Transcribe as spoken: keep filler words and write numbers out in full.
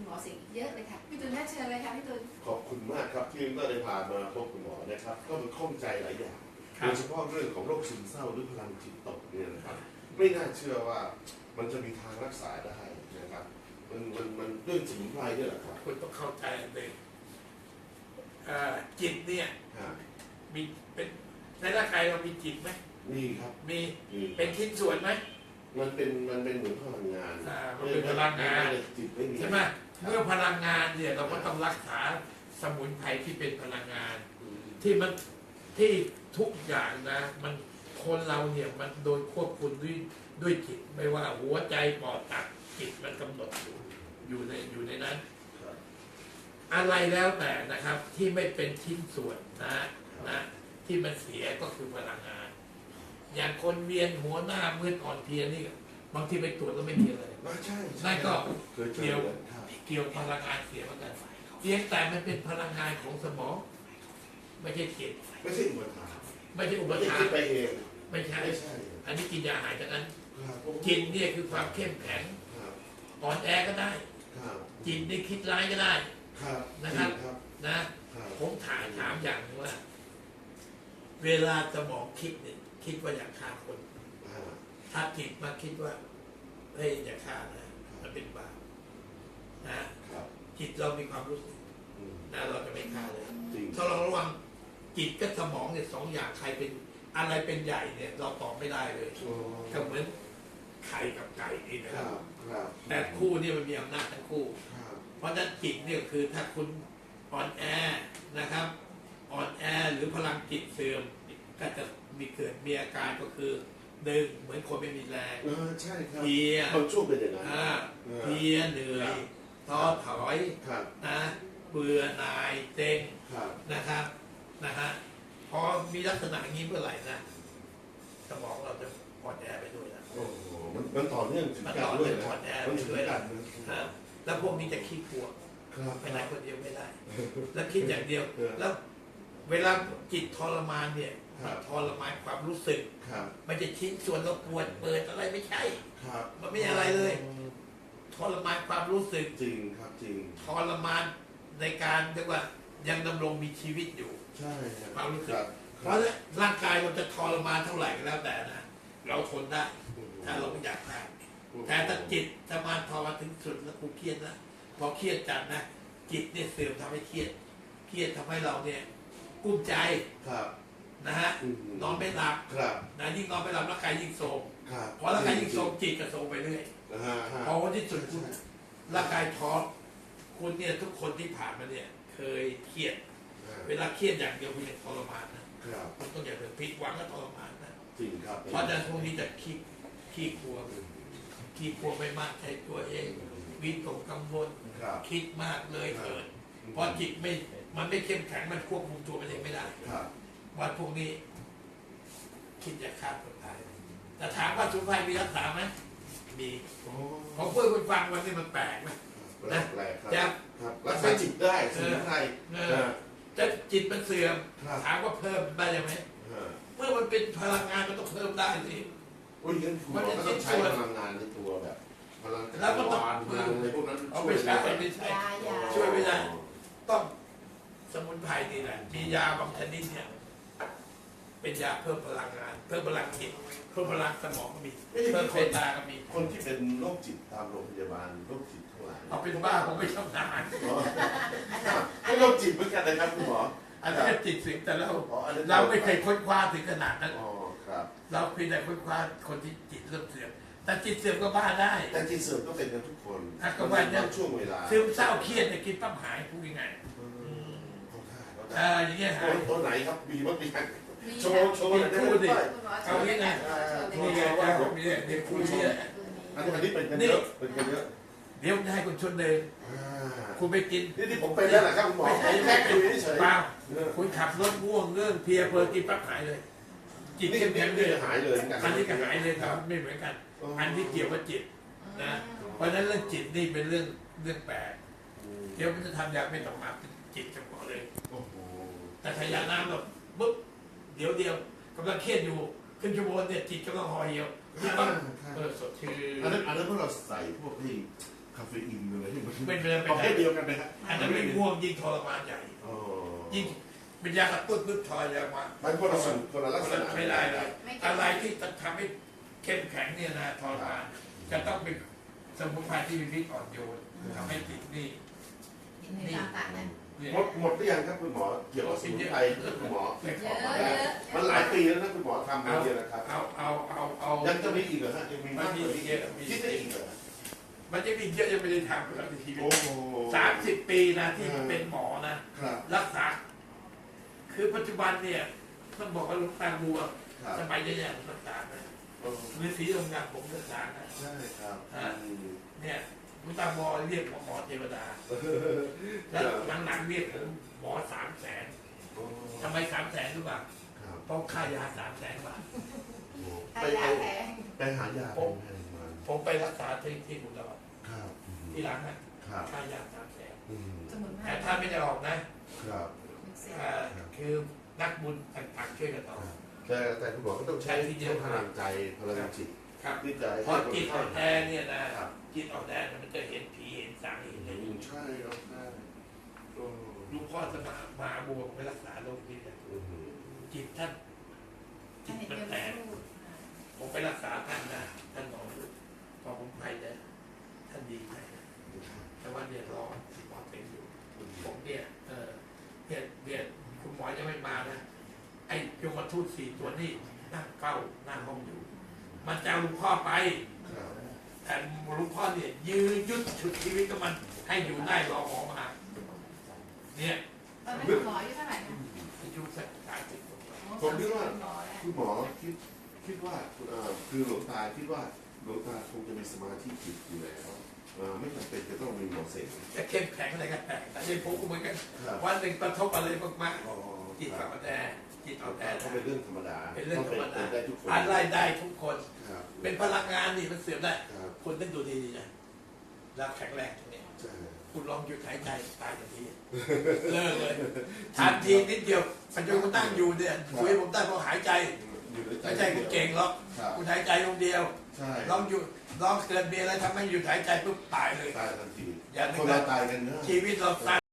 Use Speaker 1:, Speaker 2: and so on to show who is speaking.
Speaker 1: คุณหมอสิ่งเยอะเลยค่ะพี่ตุลน่าเชิญเลยค่ะพี่ตุล
Speaker 2: ขอบคุณมากครับที่ก็ได้พามาพบคุณหมอนะครับก็มันข้องใจหลายอย่างโดยเฉพาะเรื่องของโรคซึมเศร้าหรือพลังจิตตกเนี่ยนะครับไม่น่าเชื่อว่ามันจะมีทางรักษาได้นะครับมันมันมันด้วยสมุนไพรนี่แหละครับ
Speaker 3: คุณต้องเข้าใจเลยจิตเนี่ยมีเป็นในร่างกายเรามีจิตไหม
Speaker 2: มีครับ
Speaker 3: มีเป็นชิ้นส่วนไหม
Speaker 2: มันเป็นมันเป็นเหมือนพลังงาน
Speaker 3: มันเป็นพลังงาน
Speaker 2: จิตไม่มี
Speaker 3: ใช่ไหมเมื่อพลังงานเนี่ยเราก็ต้องรักษาสมุนไพรที่เป็นพลังงานที่มันที่ทุกอย่างนะมันคนเราเนี่ยมันโดนควบคุมด้วยด้วยจิตไม่ว่าหัวใจปอดตับจิตมันกำหนดอยู่อยู่ในอยู่ในนั้นอะไรแล้วแต่นะครับที่ไม่เป็นชิ้นส่วนนะนะที่มันเสียก็คือพลังงานอย่างคนเวียนหัวหน้ามืดอ่อนเพลียนี่บางทีไปตรวจแล้วไม่มีอะไร
Speaker 2: ใช่
Speaker 3: นั่นก็เกี่ยวเกี่ยวพลังงานเสียเหมือนกันเพียงแต่มันเป็นพลังงานของสมองไม่ใช่จิต
Speaker 2: ไม่ใช่อุปทาน
Speaker 3: ไม่ใช่อุปทาน
Speaker 2: ไปเอง
Speaker 3: ไม่ใช่อันนี้กินยาหายจากนั้นจิตเนี่ยคือความเข้มแข็งอ่อนแอก็ได้จิตนี่คิดร้ายก็ได้นะครับนะผมถามถามอย่างว่าเวลาสมองคิดเนี่ยคิดว่าอยากฆ่าคนถ้าจิตมาคิดว่าเฮ้ยอย่าฆ่านะมันเป็นบาปนะจิตเรามีความรู้สึกนะเราจะไม่ฆ่าเลยถ้าเราระวังจิตกับสมองเนี่ยสองอย่างใครเป็นอะไรเป็นใหญ่เนี่ยเราตอบไม่ได้เลยก็เหมือนไข่กับไก่นี่นะครับแต่คู่นี่มันมีอำนาจทั้งคู่เพราะฉะนั้นจิตเนี่ยคือถ้าคุณอ่อนแอนะครับอ่อนแอหรือพลังจิตเสื่อมก็จะมีเกิดมีอาการก็คือหนึ่งเหมือนคนไม่มีแรง
Speaker 2: ใช่ครับ
Speaker 3: เพีย
Speaker 2: บางช่วงเป็นอย่างนั้น
Speaker 3: เพียเหนื่อยท้อถอยนะเบื่อหน่ายเต็งนะครับนะฮะพอมีลักษณะอย่างนี้เมื่อไหร่นะสมองเราจะอ่อนแอไปด้วยนะ
Speaker 2: โอ้โหมันมันต่อเนื่องถึง
Speaker 3: กัน
Speaker 2: ด้วย
Speaker 3: นะมันถึงกันนะแล้วพวกนี้จะขี้กลัวไปไหนคนเดียวไม่ได้แล้วคิดอย่างเดียวแล้วเวลาจิตทรมานเนี่ยทรมานความรู้สึกมันจะชิ้นส่วนเราปวดเปิดอะไรไม่ใช่มันไม่อะไรเลยทรมานความรู้สึก
Speaker 2: จริงครับจริง
Speaker 3: ทรมานในการเรียกว่ายังดำรงมีชีวิตอยู่
Speaker 2: ใช่
Speaker 3: ความรู้สึกเพราะร่างกายเราจะทรมานเท่าไหร่ก็แล้วแต่นะเราทนได้ถ้าเราไม่อยากตายแต่ถ้าจิตทรมานทรมานถึงสุดแล้วกูเครียดนะพอเครียดจัดนะจิตเนี่ยเสื่อมทำให้เครียดเครียดทำให้เราเนี่ยกุ้มใจนะฮะนอนไม่หลับนะยิ่งนอนไม่หลับร่างกายยิ่งโทรมพอร่างกายยิ่งโทรมจิตก็โทรมไปเรื่อยพอวันที่สุดคุณร่างกายท้อคุณเนี่ยทุกคนที่ผ่านมาเนี่ยเคยเครียดเวลาเครียดอย่างเดียวคุณจะทรมานนะคุณต้องอย่าเพิ่งผิดหวังก็ทรมานนะ
Speaker 2: จริงครับ
Speaker 3: เพราะฉะนั้นพวกนี้จะขี้ขี้กลัวขี้กลัวไม่มากใจตัวเองวิตกกังวลคิดมากเลยเกิดเพราะจิตไม่มันไม่เข้มแข็งมันควบคุมตัวมันเองไม่ได้วันพวกนี้คิดจะฆ่าตัวตายแต่ถามว่าสมุนไพรมีรักษาไหมมีผมเพื่อคุณฟังวันนี้มันแปลกไหม
Speaker 2: นะจะรักษาจิตได้สมุนไพร
Speaker 3: จะจิตมันเสื่อมถามว่าเพิ่มได้ยังไงเมื่อมันเป็นพลังงานมันต้องเพิ่มได้สิ
Speaker 2: มันจะต้องใช้พลังงานในตัวแบบพลัง
Speaker 3: แล้วก็ต้อง
Speaker 2: ในพวกนั้น
Speaker 3: เอาไปใช้ไม่ใช่ช่วยไม่ได้ต้องสมุนไพรนี่แหละมียาบางชนิดเนี่ยเป็นยาเพิ่มพลังงานเพิ่มพลังจิตเพิ่มพลังสมองก็มีเพิ่มเวทนาก็มี
Speaker 2: คนที่เป็นโรคจิตตามโรงพยาบาลโรคจิตทั้งหลาย
Speaker 3: เอาเป็นบ้าผมไม่ชอบทาน
Speaker 2: ให้โรคจิตเหมือนกันนะครับคุณหมอ
Speaker 3: อันนี้จิตสิ่งแต่เราเราไม่เคยค้นคว้าถึงขนาดนั้นเราเพียงแต่ค้นคว้าคนที่จิตเริ่มเสื่อมแต่จิตเสื่อมก็บ้าได้
Speaker 2: แต่จิตเสื่อมก็เป็นกันทุกคน
Speaker 3: ก็ว่าเนี่ย
Speaker 2: ช่วงเวลา
Speaker 3: ซึมเศร้าเครียดเนี่ยกินปั๊บหายพูดยังไงอ่าอย่างเงี้ยหาย
Speaker 2: ตัวไหนครับมีมั้งมีโชว์โชว์ได้
Speaker 3: ดิเอาอย่างไงนี่ไงเจ้าผมเนี่ยเดี๋ยวคุยเนี่ย
Speaker 2: อันนี้เป็นกันเยอะเป็นกันเยอะ
Speaker 3: เดี๋ยวให้คุณชนเลยคุณไปกิน
Speaker 2: นี่ที่ผมไปแล้วแหละครับคุณหมอแค่คุยเฉย
Speaker 3: เปล่าคุณขับรถง่วงเรื่องเพียเพลินกินปั๊บหายเลยจิตเข้มแข็งเลย
Speaker 2: หายเลย
Speaker 3: อันนี้ก็หายเลยครับไม่เหมือนกันอันที่เกี่ยวกับจิตนะเพราะฉะนั้นเรื่องจิตนี่เป็นเรื่องเรื่องแปลกเดี๋ยวมันจะทำยาไม่ต้องมาเป็นจิตเฉพาะเลยแต่ถ้ายาน้ำแบบปุ๊บเดี๋ยวเดียวกำลังเครียดอยู่ขึ้นชั่วโมงเนี่ยจิตกำลังห่อเหี่ยวที่บ้านเออสดชื่น
Speaker 2: อันนั้นอันนั้นพวกเราใส่พวกที่คาเฟอีนอะไรที่มัน
Speaker 3: เป็นเป็น
Speaker 2: ประเภทเดียวกันไหมฮะ
Speaker 3: อันนั้นไม่ง่วงยิ่งทรมานใหญ่
Speaker 2: อ๋อ
Speaker 3: ยิ่งเป็นยากระตุ้นปุ๊บทอยแล้วมา
Speaker 2: มันคนละสูตรคนละลักษณะ
Speaker 3: ไม่ได้เลยอะไรที่จะทำให้เข้มแข็งเนี่ยนะทรมานจะต้องเป็นสมุนไพรที่มีพิษอ่อนโยนทำให้ติดนี่
Speaker 1: เห็นในตามต่างนั้น
Speaker 3: เนี่ย
Speaker 2: หมดหมดหรือยังครับคุณหมอเกี่ยวกับสมุนไพรคุณหมอ
Speaker 3: ไม่ข
Speaker 1: เย
Speaker 3: อ
Speaker 1: อะ
Speaker 3: มา
Speaker 1: เย
Speaker 3: ได้
Speaker 1: อะ
Speaker 2: มันหลายปีแล้วนะคุณหมอทำมาเนี่ยนะครับ
Speaker 3: เอาเอาเอาเอา
Speaker 2: ยังจะมีอีกเหรอฮะยังมีมากกว่านี้
Speaker 3: เยอะมี
Speaker 2: คิดได้อีกเหรอ
Speaker 3: มันจะมีเยอะยังไม่ได้ทำเลยในชีวิต
Speaker 2: โอ้โห
Speaker 3: สามสิบปีนะที่เป็นหมอนะครับ รักษา คือปัจจุบันเนี่ยต้องบอกว่าหลูกตาบัว
Speaker 2: ครับ
Speaker 3: สมัยเนี้ยผมรักษานะ
Speaker 2: โอ้
Speaker 3: ฤาษีโรงงานผมรักษานะ
Speaker 2: ใช่ครับ
Speaker 3: เนี่ยหลูกตาบัวเรียกผมหมอเทวดา แล้วหลังๆเรียกผมหมอสามแสน
Speaker 2: โอ้
Speaker 3: ทำไมสามแสนรู้ป่ะ
Speaker 2: ครับ
Speaker 3: เพราะค่ายาสามแสนบาท
Speaker 1: ใคร
Speaker 2: ไป
Speaker 1: อยา
Speaker 2: ไป
Speaker 1: กแพง
Speaker 2: ไปหายาแพงๆมา
Speaker 3: ผมไปรักษาที่ที่อุดร
Speaker 2: ครับ
Speaker 3: ที่ร้านนะครับ ค่ายาสามแสน
Speaker 2: อืม
Speaker 1: สมุนไพร
Speaker 3: แต่ถ้าไม่ได้ออกนะครับ เอ่อคือนักบุญต่างๆช่วยกันออก
Speaker 2: แต่แต่คุณหมอก็ต้องใช้ใช้พลังใจพลังจิต
Speaker 3: ครับ
Speaker 2: ที่จะให้
Speaker 3: พอจิตอ่อนแอ
Speaker 2: คนไข้
Speaker 3: เนี่ยนะครับ จิตอ่อนแอเนี่ยมันจะเห็นผีเห็นสางเห็นอะไร
Speaker 2: อืมใช่ครับใช่โอ้
Speaker 3: หลูกพ่อจะมามาบวกไปรักษาโรคนี้เนี่ย
Speaker 2: อืม
Speaker 3: จิตท่านจิ
Speaker 1: ท่าน
Speaker 3: ต
Speaker 1: เห็น
Speaker 3: มัน
Speaker 1: เยอะ
Speaker 3: แต
Speaker 1: ไม่
Speaker 3: ก
Speaker 1: พูด
Speaker 3: ผมไปรักษาท่านนะท่านหมอพอผมไปเนี่ยท่านดีใจนะแต่ว่าเนี่ยรอหมอเป็นอยู่ผมเนี่ยเออเนี่ยเนี่ยคุณหมอยังไม่มานะไอ้ยมทูตสี่ตัวนี่นั่งเฝ้าหน้าห้องอยู่ มันจะเอาหลุงพ่อไป
Speaker 2: ครับ
Speaker 3: แต่หลุงพ่อเนี่ยยืนยุดฉุดชีวิตกับมันให้อยู่ได้รอหมอมา เนี่ย
Speaker 1: ตอนนั้นหมออายุเท่าไหร่นะ
Speaker 3: อายุสักสามสิบกว่า
Speaker 2: ผมคิดว่า
Speaker 1: หมอแล้ว
Speaker 2: คุณหมอคิดคิดว่าเอ่อคือหลวงตาคิดว่าหลวงตาคงจะมีสมาธิจิตอยู่แล้วเอ่อไม่จำเป็นจะต้องมีหมอเสก
Speaker 3: จะเข้มแข็งอะไรกันแต่แต่ในผมก็เหมือนกัน
Speaker 2: ครับ
Speaker 3: วันหนึ่งกระทบอะไรมาก
Speaker 2: อ๋อ
Speaker 3: ๆจิต
Speaker 2: ครั
Speaker 3: อ่
Speaker 2: บ
Speaker 3: อนแอจิตอ่อนแอ
Speaker 2: ก็เป็นเรื่องธรรมดา
Speaker 3: เป็นเรื่องธรรมดา
Speaker 2: เป็นได้ทุกคน
Speaker 3: อะไรได้ทุกคน
Speaker 2: ครับ
Speaker 3: เป็นพลังงานนี่มันเสื่อมได้
Speaker 2: ครับ
Speaker 3: คนต้องดูดีๆนะแล้วแข็งแรงตรงนี้
Speaker 2: ใช่
Speaker 3: คุณลองหยุดหายใจตายทันทีเลิกเลยทันทีนิดเดียวปัจจุบันคุณนั่งอยู่เนี่ยคุยให้ผมได้เพราะหายใจ
Speaker 2: อยู่ในใจ
Speaker 3: ไม่ใช่คุณเก่งหรอก
Speaker 2: ครับ
Speaker 3: คุณหายใจลงเดียว
Speaker 2: ใช่
Speaker 3: ลองหยุดลองเกิดมีอะไรทำให้หยุดหายใจปุ๊บตายเลย
Speaker 2: ตายทันที
Speaker 3: อย่านึก
Speaker 2: คน
Speaker 3: นะ
Speaker 2: เราตายกันเนอะ
Speaker 3: ชีวิตเราสั้น